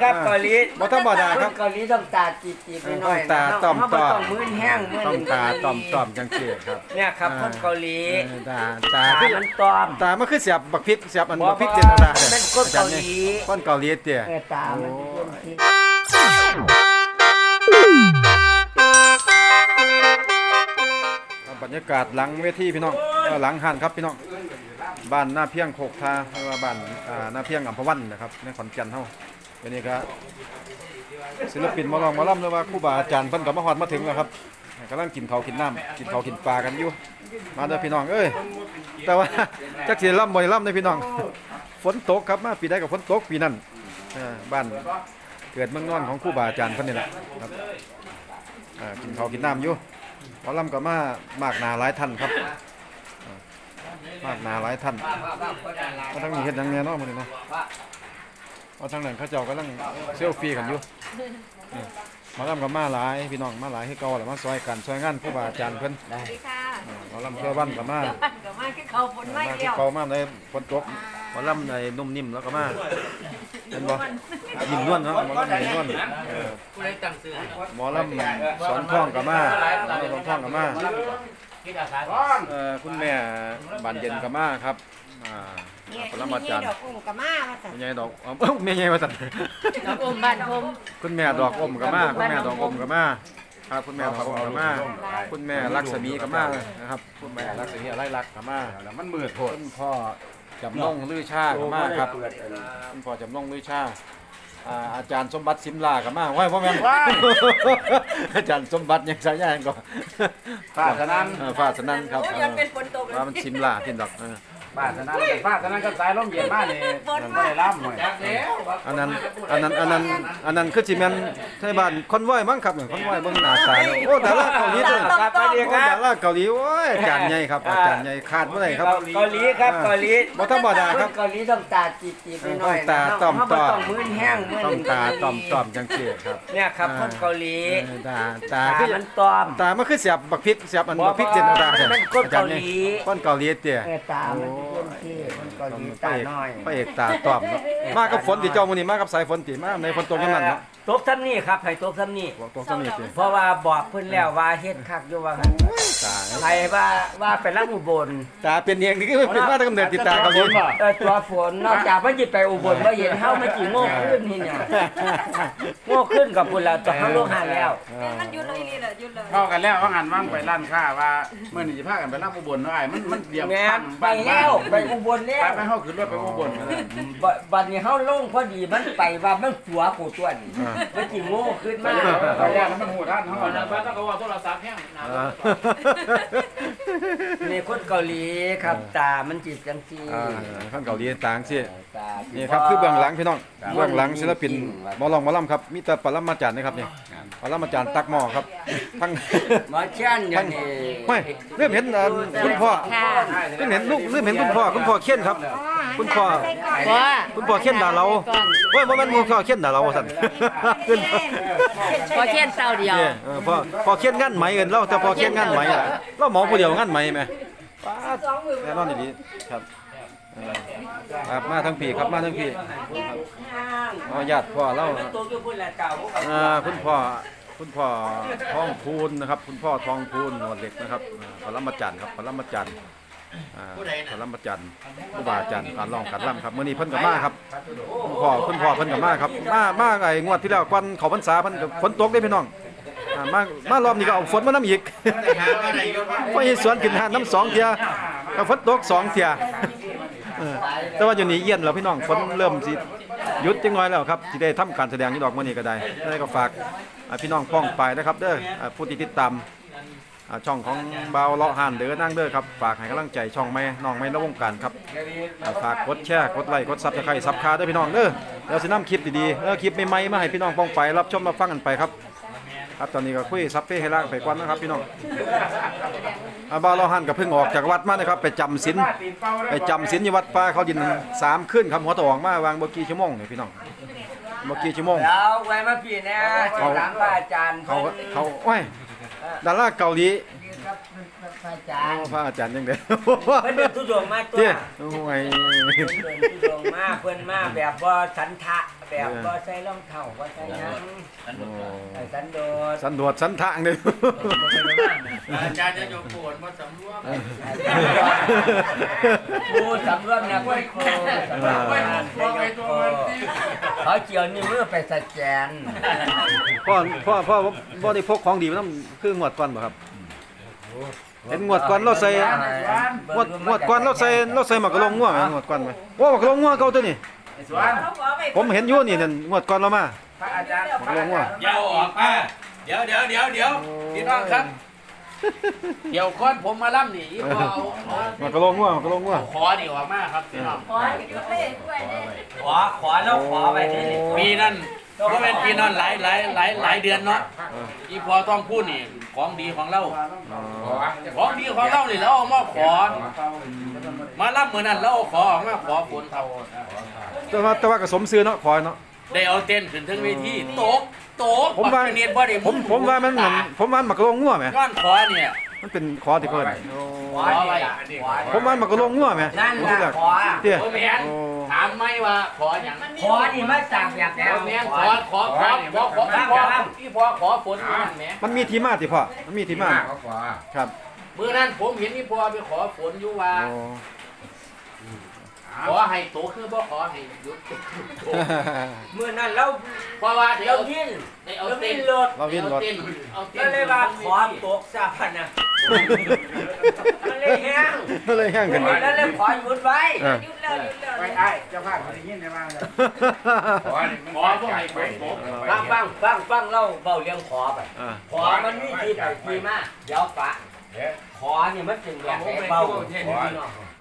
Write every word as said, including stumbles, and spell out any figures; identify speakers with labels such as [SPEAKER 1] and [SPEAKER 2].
[SPEAKER 1] ครับเกาหลี
[SPEAKER 2] บ่ธรรมดาครับ
[SPEAKER 1] เกาหลีต้องตาจีบๆไปหน่อย
[SPEAKER 2] ต้องตาต้อมๆ
[SPEAKER 1] ต้องมือแห้งมือ
[SPEAKER 2] ต้องตาต้อมต้อมจังซี่ครับ
[SPEAKER 1] เนี่ยครับคนเกาหลี
[SPEAKER 2] เออตาตา
[SPEAKER 1] ตา
[SPEAKER 2] คือ
[SPEAKER 1] มันต้อม
[SPEAKER 2] ตามันคือเสียบบักพริกเสียบอัน
[SPEAKER 1] บ่
[SPEAKER 2] บักพริก
[SPEAKER 1] บ่
[SPEAKER 2] เจนตา
[SPEAKER 1] เป็นคนเกาหลี
[SPEAKER 2] คนเกาหลีเตี้ย
[SPEAKER 1] เออตามันเป็นที่
[SPEAKER 2] บรรยากาศหลังเวทีพี่น้องเอ่อหลังหันครับพี่น้องบ้านหน้าเพียงโคกทาหรือว่าบ้านอ่าหน้าเพียงอัมพวันนะครับในขอนแก่นเฮาวันนี้ก็ศิลปินหมาลองหมาล่ำหรือว่าครูบาอาจารย์เพิ่นก็มาฮอดมาถึงแล้วครับกำลังกินข้าวกินน้ำกินข้าวกินปลากันอยู่มาเด้อพี่น้องเอ้ยแต่ว่าจักสิล่ำบ่ได้ล่ำเด้อพี่น้องฝนตกครับมาปีใดก็ฝนตกปีนั้นเออบ้านเกิดเมืองนอนของครูบาอาจารย์เพิ่นนี่แหละครับอ่ากินข้าวกินน้ำอยู่หมอลำก็มามากหนาหลายท่านครับอ่ามากหนาหลายท่านมาทั้งนี้เฮ็ดหยังแน่เนาะมื้อนี้เนาะเอาทางนั้นเขาเจ้ากำลังเซลฟี่กันอยู่นี่หมอลำก็มาหลายพี่น้องมาหลายคือเก่าแหละมาซอยกันซอยงานครูบาอาจารย์เพิ่น
[SPEAKER 3] สวัสดีค่ะ
[SPEAKER 2] อ่าหมอลำเพื่อบ้านก็มา
[SPEAKER 3] เดี๋ยวบ้านกับมาคือเขาฝนไม่
[SPEAKER 2] มาคื
[SPEAKER 3] เดี
[SPEAKER 2] อ
[SPEAKER 3] ยว
[SPEAKER 2] เก่ามาในฝนตกหมอลำในนุ่มนิ่มแล้วก็มาเห็นบ่ยิ้มนวลเนาะหมอลำยิ้มนวลเออหมอลำสอนท่องก็มาหมอลำสอนท่องก็มา เอ่อคุณแม่บานเย็นกับมาครับอ่า
[SPEAKER 3] เนี่ย
[SPEAKER 2] ปรมาจารย์
[SPEAKER 3] ดอกอุ้งกับมาว่าสัน
[SPEAKER 2] แม่ใหญ่ดอกเอ้าแม่ใหญ่ว่าซั่น
[SPEAKER 3] ดอกอุ้มบ้านผม
[SPEAKER 2] คุณแม่ดอกอมกับมาคุณแม่ดอกอมกับมาครับคุณแม่ดอกอมกับมาคุณแม่ลักษมีกับมานะครับคุณแม่ลักษมีอะไรรักกับมาแล้วมันมืดโพดคุณพ่อจำลองลือชากับมาครับคุณพ่อจำลองลือชาอ่าอาจารย์สมบัติสิมลากับมาว้ายพ่อแม่นอาจารย์สมบัติยังสายยางก่อน
[SPEAKER 4] ฟ้าสนั่น
[SPEAKER 2] เออฟ้าสนั่นครับ
[SPEAKER 3] โอ้ยมันเป็นฝนตกเลย
[SPEAKER 2] ว่ามันสิมลาที่ดอกเออ
[SPEAKER 4] ฟ้าสนั่นฟ้าสนั่นก็สายลมเย็นมากนี่ไม่ได้ล่ำหน่อย
[SPEAKER 2] อันนั้นอันนั้นอันนั้นอันนั้นคือสิแม่นใช่บ้านคอนวอยมั้งครับเนี่ยคอนวอยเบิ่งหน้าตาแล้วโอ้ดาราเกาหลีตัวนี้
[SPEAKER 1] ครับสวัสดี
[SPEAKER 2] โอ้
[SPEAKER 1] ครับ
[SPEAKER 2] ดาราเกาหลีโอ้ยอาจารย์ใหญ่ครับอาจารย์ใหญ่ขาดบ่ได้ครับ
[SPEAKER 1] เกาหลีครับเกาหลี
[SPEAKER 2] บ่ธรรมดาครับ
[SPEAKER 1] นเกาหลีต้องตาจีบๆไปหน่อย
[SPEAKER 2] ต้องตาต้อมๆ
[SPEAKER 1] ต้องมือแห้งมือ
[SPEAKER 2] ต้องตาต้อมต้อมจังซี่ครับ
[SPEAKER 1] เนี่ยครับคนเกาหลี
[SPEAKER 2] เออตาตา
[SPEAKER 1] ตา
[SPEAKER 2] คือ
[SPEAKER 1] มันต้อม
[SPEAKER 2] ตามันคือเสียบบักพริกเสียบอันบักพริกเจนตา
[SPEAKER 1] เป็นคนเกาหลี
[SPEAKER 2] คนเกาหลีเตี้ย
[SPEAKER 1] เออตามันเป็นที่คนเกาหลีตาน้อย
[SPEAKER 2] พระเอกตาต้อมเนาะมากับฝนที่เจ้ามื้อนี้มากับสายฝนติมาในฝนตกอย่างนั้นเนาะ
[SPEAKER 1] ตบซ้ำนี่ครับให้ตบซ้ำนี่
[SPEAKER 2] บอกตรงซั่นนี่ติ
[SPEAKER 1] เพราะว่าบอกเพิ่นแล้วว่าเฮ็ดคักอยู่ว่าหั่น
[SPEAKER 2] ตา
[SPEAKER 1] ใครว่าว่าไปรับอุบล
[SPEAKER 2] ตาเป็นเองนี่คือเป็นมาตั้งกำเนิดติดตาเกาหลี
[SPEAKER 1] เออตัวฝนนอกจากมันจิไปอุบลว่าเห็นเฮามันจิโง่ขึ้นนี่เนี่ยโง่ขึ้นกับพุ่นแล้วต้องเฮาลงหาแล้ว
[SPEAKER 3] มันหยุดเลยนี่แหละหยุดเลย
[SPEAKER 4] เข้ากันแล้วว่างันว่างไปร้านค้าว่าเมื่อนี้จะพากันไปล่ำอุบลเนาะไอ้มันมันเดียว
[SPEAKER 1] แม่
[SPEAKER 4] ข้าง
[SPEAKER 1] ไป
[SPEAKER 4] บ้าน
[SPEAKER 1] แล้วไปอุบลแล้
[SPEAKER 4] ไป
[SPEAKER 1] ว
[SPEAKER 4] ไปเข้าขึ้นรถไปอุบลมาเลย
[SPEAKER 1] บบัดนี้เฮาลงพอดีมันไปว่ามันหัวกูตัวนี่มันจิโง่ขึ้น
[SPEAKER 4] ไป
[SPEAKER 1] มา
[SPEAKER 4] ไปย่านแล้วมันหูด้านเขา
[SPEAKER 5] ก่อน
[SPEAKER 4] เนาะ
[SPEAKER 5] นะป้าต้องเอาโทรศัพท์แห้งนะ
[SPEAKER 1] นี่คนเกาหลีครับตามันจิจังซี่
[SPEAKER 2] อ่าข้างเกาหลีต่างสิ
[SPEAKER 1] ตา
[SPEAKER 2] นี่ครับคือเบื้องหลังพี่น้องเบื้องหลังศิลปินหมอลองหมอลำครับมีแต่ปรมาจารย์นะครับนี่ปรมาจารย์ตักหม้อครับทั้ง
[SPEAKER 1] หมอเช่นอย่างนี้
[SPEAKER 2] ไม่เริ่มเห็นเอ่อคุณพ่อ
[SPEAKER 3] ค่ะ
[SPEAKER 2] เริ่มเห็นลูกเริ่มเห็นคุณพ่อคุณพ่อเขียนครับ คุณพ่อ
[SPEAKER 3] ว่า
[SPEAKER 2] คุณพ่อเขียนด่าเราเฮ้ยบ่แม่นคุณพ่อเขียนด่าเราว่าซั่นขึ้น
[SPEAKER 3] พอเทียนเต้าเดียว
[SPEAKER 2] เนี่ยเออพ่อพ่อเขียนงานไหมเอิ้นเราแต่พ่อเขียนงานไหมอะเราหมอผู้เดียวงานไหมแม่ป๊าดแน่นอนดีๆครับเออครับมาทั้งพี่ครับมาทั้งพี่อ๋อญาติพ่อเรา
[SPEAKER 1] ตัวอยู่พุ่นแหละเก่า
[SPEAKER 2] อ่าคุณพ่อคุณพ่อทองพูนนะครับ คุณพ่อทองพูนหนวดเหล็กนะครับอ่าปรมาจารย์ครับปรมาจารย์อ่าปรมาจารย์ครูบาอาจารย์การร้องการร่ำครับมื้อนี้เพิ่นก็มาครับคุณพ่อคุณพ่อเพิ่นก็มาครับมามาไอ้งวดที่แล้วก่อนเข้าพรรษาเพิ่นก็ฝนตกเด้พี่น้องอ่ามามารอบนี้ก็เอาฝนมานํอีก ไปสวนขึ้นหาดน้ำสองเที่ยก็ฝนตกสองเที่ยเออแต่ว่าอยู่นี่เย็นแล้วพี่น้องฝนเริ่มสิหยุดจังน้อยแล้วครับสิได้ทำการแสดงอยู่ดอกมื้อนี้ก็ได้ได้ก็ฝากอ่าพี่น้องป้องไปนะครับเด้ออ่าผู้ที่ติดตามอ่าช่องของเบาเลาะห่านเด้อนั่งเด้อครับฝากให้กำลังใจช่องแม่น้องแม่ในวงการครับอ่าฝากกดแชร์กดไลค์กดซับสไครต์ซับคาเด้อพี่น้องเด้อเดี๋ยวสินำคลิปดีๆเออคลิปใหม่ๆมาให้พี่น้องป้องไปรับชมรับฟังกันไปครับครับตอนนี้ก็คุยซับเป้ให้ล่างไปก่อนนะครับพี่น้องอาบาลอหันกับเพิ่งออกจากวัดมานะครับไปจำศีลไปจำศีลอยู่วัดป่าเขาดินสามขึ้นครับหัวตะออกมาวางเมื่อกี้ชั่วโมงนี่พี่น้องเมื่อกี้ชั่วโมง
[SPEAKER 1] แล้วไว้มาพี่นะถามว่าอาจารย์
[SPEAKER 2] เขาเขาโอ้ยดาราเกาหลี
[SPEAKER 1] ครับพระอาจา
[SPEAKER 2] อ๋
[SPEAKER 1] ร
[SPEAKER 2] อ
[SPEAKER 1] ย์
[SPEAKER 2] พระอาจารย์ยังเด้อ
[SPEAKER 1] เพิ่นเดินทุดงมาตัว
[SPEAKER 2] เจ้โอ้ย
[SPEAKER 1] เพิ่นเดินทุดงมาเพิ่นมาแบบบ่สันทะแบบบ่ใส่รองเท้าบ่ใส่หยัง
[SPEAKER 2] โอ้
[SPEAKER 1] ใส่สันโดษ
[SPEAKER 2] สันโดษสันทางเด้อ
[SPEAKER 5] อาจารย์จะโยกปวดมาสำรวม
[SPEAKER 1] ครูสำรวมนะครูครูสำรวมนะเขาเจียวนิ้วมือไปสแกน
[SPEAKER 2] พ่อพ่อพ่อบ่ได้พกของดีมานำคืองวดก่อนบ่ครับเห็นงวดก่อนเราใส่งวดงวดก่อนเราใส่เราใส่หมากกะลงงัวไหมงวดก่อนไหมโอ้หมากกะลงงัวเก่าตัวนี้
[SPEAKER 4] ไอ้สวน
[SPEAKER 2] ผมเห็นอยู่นี่นั่นงวดก่อนเรามา
[SPEAKER 4] พระอาจารย์
[SPEAKER 2] หมากกะลงงัว
[SPEAKER 5] เดี๋ยวออกมาเดี๋ยวเดี๋ยวเดี๋ยวเดี๋ยวพี่น้องครับ เดี๋ยวก้อนผมมาล่ำนี่พอเอา
[SPEAKER 2] หมากกะลงงัวหมากกะลงงัว
[SPEAKER 5] เอาคอนี่ออกมาครับพี่น้อง
[SPEAKER 3] ขอให้ยุดเลยด้วยเด้
[SPEAKER 1] ขอขอแล้วขอไปนี่
[SPEAKER 5] ปีนั้นก็เป็นปีนั้นหลายหลายหลายหลายเดือนเนาะอีพอต้องพูดนี่ของดีของเรา
[SPEAKER 2] อ๋อ
[SPEAKER 5] ของดีของเรานี่เราเอามาขอ มาล่ำเหมือนนั้นเราเอาขอออกมาขอฝนเท่า
[SPEAKER 2] แต่ว่าแต่ว่าก็สมซื้อเนาะขอเนาะ
[SPEAKER 5] ได้เอาเต้นขึ้นถึงเวทีโตกโตก
[SPEAKER 2] ผมว่า
[SPEAKER 5] ปักเนียนบ่ได้
[SPEAKER 2] ผมผมว่ามันเหมือนผมว่าหมากกะลงงัวไหม
[SPEAKER 5] ย้อนขอเนี่ย
[SPEAKER 2] มันเป็นขอที่เพิ่น
[SPEAKER 1] ขอไปขอ
[SPEAKER 2] ผมว่าหมากกะลงงัวไหม
[SPEAKER 1] นั่น
[SPEAKER 2] ผม
[SPEAKER 1] ล่ะ
[SPEAKER 2] อยาก
[SPEAKER 1] ขอ
[SPEAKER 2] เตี้ย
[SPEAKER 5] โอ้แม่น
[SPEAKER 2] โอ้
[SPEAKER 5] ถามไหมว่าขออย่าง
[SPEAKER 1] ขอนี่มาจากอยากแล้ว
[SPEAKER 5] แม่นขอขอขอขอขอขอพี่พอขอฝนมือนั่นแหม
[SPEAKER 2] มันมีที่มาติพ่อมันมีที่มาครับ
[SPEAKER 5] มือนั้นผมเห็นพี่พอไปขอฝนอยู่ว่า
[SPEAKER 2] โอ้
[SPEAKER 5] ขอให้โตคือบ่ขอให้หยุด
[SPEAKER 1] เมื่อนั้นเรา
[SPEAKER 5] เพราะว่าเดี๋ย
[SPEAKER 1] เรา
[SPEAKER 5] ว
[SPEAKER 1] ยิน
[SPEAKER 5] ได้เอา
[SPEAKER 1] เรา
[SPEAKER 5] เต้
[SPEAKER 1] วิ
[SPEAKER 5] น
[SPEAKER 1] นรถ
[SPEAKER 2] เราวินรถ
[SPEAKER 5] เอาเต้นเอาเต้
[SPEAKER 1] ก็
[SPEAKER 5] น
[SPEAKER 1] เลยว่าขอตกซะพันนะมันเลยแห้ง
[SPEAKER 2] เลยแห้งกัน
[SPEAKER 1] แล้วเลยขอหยุดไว้
[SPEAKER 2] เออ
[SPEAKER 3] ยุดเลยยุดเลย
[SPEAKER 4] ไอ้ไอ้เจ้าภาพเขาได้ยินได้บ้างเลย
[SPEAKER 5] ขอบ่ให้ฝนตก
[SPEAKER 1] ฟังฟังฟังฟังเล่าเบาเรื่องขอไป
[SPEAKER 2] อ่า
[SPEAKER 1] ขอมันมีที่ไปที่มาเดี๋ยวปะขอเนี่ยมันเป็นแบบเบา